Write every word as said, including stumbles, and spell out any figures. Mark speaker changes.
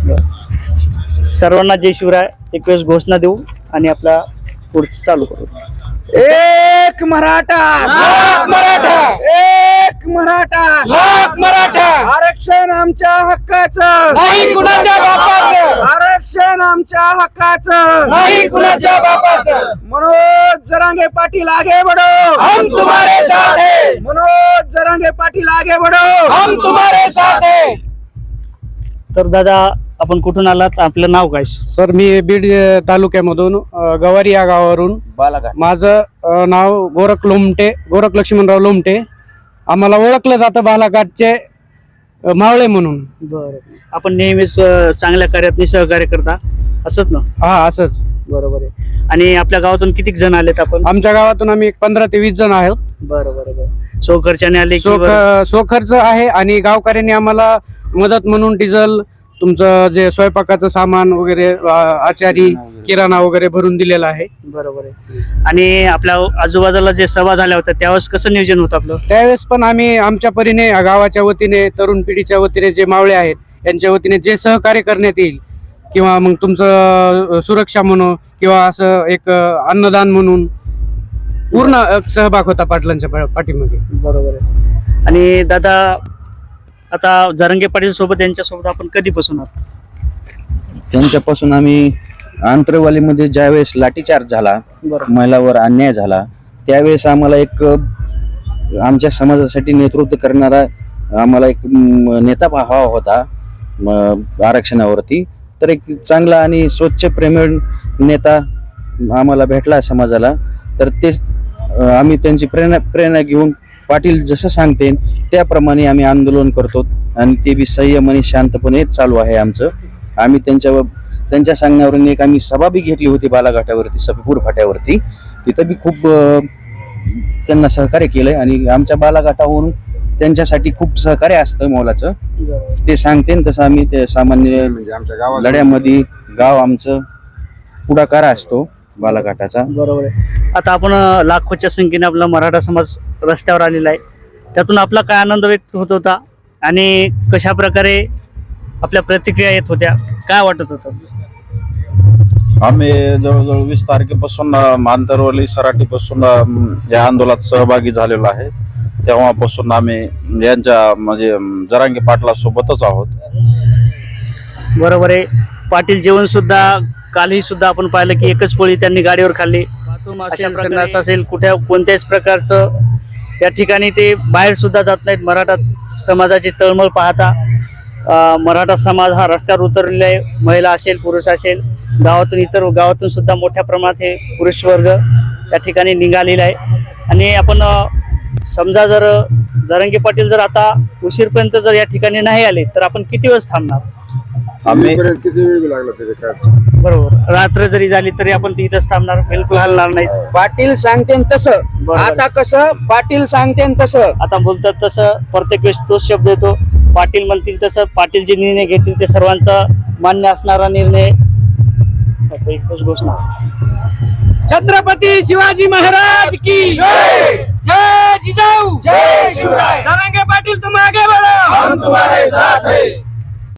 Speaker 1: सर्वांना जय शिवराय. एक वेळेस घोषणा देऊ आणि आपला पुढचं चालू करू.
Speaker 2: एक मराठा
Speaker 3: लाख मराठा,
Speaker 2: एक मराठा
Speaker 3: लाख मराठा,
Speaker 2: आरक्षण आमच्या हक्काचं
Speaker 3: नाही कुणाच्या बापाचं,
Speaker 2: आरक्षण आमच्या हक्काचं
Speaker 3: नाही कुणाच्या बापाचं.
Speaker 2: मनोज जरांगे पाटील आगे बढ़ो,
Speaker 3: हम तुम्हारे साथ है,
Speaker 2: मनोज जरांगे पाटील आगे बढ़ो.
Speaker 3: हम तुम्हारे साथ है.
Speaker 1: तर दादा आपण कुठून आलात, आपलं नाव काय?
Speaker 4: सर मी बीड तालुक्यामधून अ, गवारी या गावावरून
Speaker 2: बालाघाट.
Speaker 4: माझं अ, नाव गोरख लोमटे, गोरख लक्ष्मणराव लोमटे. आम्हाला ओळखलं जातं बालाघाटचे अ, मावळे म्हणून.
Speaker 1: बरं. आपण नेहमीच अं, चांगल्या कार्यात सहकार्य करता असंच ना?
Speaker 4: हा असंच.
Speaker 1: बरोबर आहे. आणि आपल्या गावातून किती जण आलेत आपण?
Speaker 4: आमच्या गावातून आम्ही एक पंधरा ते वीस जण आहोत.
Speaker 1: बरं बरं बरं. सो खर्चाने आले की
Speaker 4: सो
Speaker 1: बरं?
Speaker 4: सो खर्च आहे आणि गावकऱ्यांनी आम्हाला मदत म्हणून डिझेल, तुमचं जे स्वयंपाकाचं सामान वगैरे, अ, आचारी किराणा वगैरे भरून दिलेला आहे.
Speaker 1: बरोबर आहे. आणि आपल्या आजूबाजूला जे सभा झाल्या होत्या त्यावेळेस कसं नियोजन होतं आपलं?
Speaker 4: त्यावेळेस पण आम्ही आमच्या परीने गावाच्या वतीने, तरुण पिढीच्या वतीने, जे मावळे आहेत त्यांच्या वतीने जे सहकार्य करण्यात येईल, किंवा मग तुमचं सुरक्षा म्हणून किंवा असं एक अन्नदान म्हणून पूर्ण सहभाग होता पाटलांच्या पाठीमागे.
Speaker 1: बरोबर आहे. आणि दादा आता जरांगे पाटील सोबत यांच्यासोबत आपण कधीपासून आहोत?
Speaker 5: त्यांच्यापासून आम्ही आंतरवालीमध्ये ज्यावेळेस लाठीचार्ज झाला,
Speaker 1: बरोबर.
Speaker 5: महिलावर अन्याय झाला, त्यावेळेस आम्हाला एक अ, आमच्या समाजासाठी नेतृत्व करणारा आम्हाला एक म, नेता हवा होता म, आरक्षणावरती. तर एक चांगला आणि स्वच्छ प्रेमळ नेता आम्हाला भेटला समाजाला. तर तेच अ, आम्ही त्यांची प्रेरणा प्रेरणा घेऊन पाटील जसं सांगते त्याप्रमाणे आम्ही आंदोलन करतो आणि ते बी संयम आणि शांतपणे चालू आहे आमचं. आम्ही त्यांच्यावर त्यांच्या सांगण्यावरून एक आम्ही सभा बी घेतली होती बालाघाटावरती, सफीपूर फाट्यावरती. तिथं बी खूप अ, त्यांना सहकार्य केलंय आणि आमच्या बालाघाटावरून त्यांच्यासाठी खूप सहकार्य असतं मोलाचं. ते सांगते तसं आम्ही ते सामान्य लढ्यामध्ये गाव आमचं पुढाकार असतो बालाघाटाचा.
Speaker 1: बरोबर आहे. आता आपण अं, लाखोच्या संख्येने आपला मराठा समाज रस्त्यावर आलेला आहे. त्यातून आपला काय आनंद व्यक्त होत होता आणि कशा प्रकारे आपल्या प्रतिक्रिया येत होत्या, काय वाटत होतं?
Speaker 6: आम्ही जवळजवळ वीस तारखेपासून आंतरवली सराटीपासून या आंदोलनात सहभागी झालेलो आहे. तेव्हापासून आम्ही यांच्या म्हणजे जरांगे पाटला सोबतच आहोत.
Speaker 1: बरोबर आहे. पाटील जेवण सुद्धा कालही सुद्धा आपण पाहिलं की एकच पोळी त्यांनी गाडीवर खाल्ली. अशा प्रकारचं असेल कुठ्या कोणत्याच प्रकारचं या ठिकाणी ते बाहेर सुद्धा जात नाहीत. मराठा समाजाची तळमळ पाहता अं, मराठा समाज हा रस्त्यावर उतरलेला आहे. महिला असेल, पुरुष असेल, गावातून इतर गावातून सुद्धा मोठ्या प्रमाणात हे पुरुष वर्ग या ठिकाणी निघालेला आहे. आणि आपण अं, समजा जर जरांगे पाटील जर आता उशीरपर्यंत जर या ठिकाणी नाही आले तर आपण किती वेळ थांबणार?
Speaker 6: आम्ही
Speaker 2: किती वेळ लागला त्याच्या काय?
Speaker 1: बरोबर. रात्र जरी झाली तरी आपण तिथंच थांबणार, बिलकुल हलणार नाही.
Speaker 2: पाटील सांगते तसं.
Speaker 1: बरोबर.
Speaker 2: आता कसं पाटील सांगते तसं.
Speaker 1: आता बोलतात तसं प्रत्येक वेळेस तोच शब्द येतो. पाटील म्हणतील तसं, पाटील जे निर्णय घेतील ते सर्वांचा मान्य असणारा निर्णय. आता एकच घोषणा.
Speaker 3: छत्रपती शिवाजी महाराज की जय. जय जिजाऊ,
Speaker 2: जय शिवराय.
Speaker 3: जरांगे पाटील तुम आगे बढ़ो,
Speaker 2: हम तुम्हारे साथ हैं.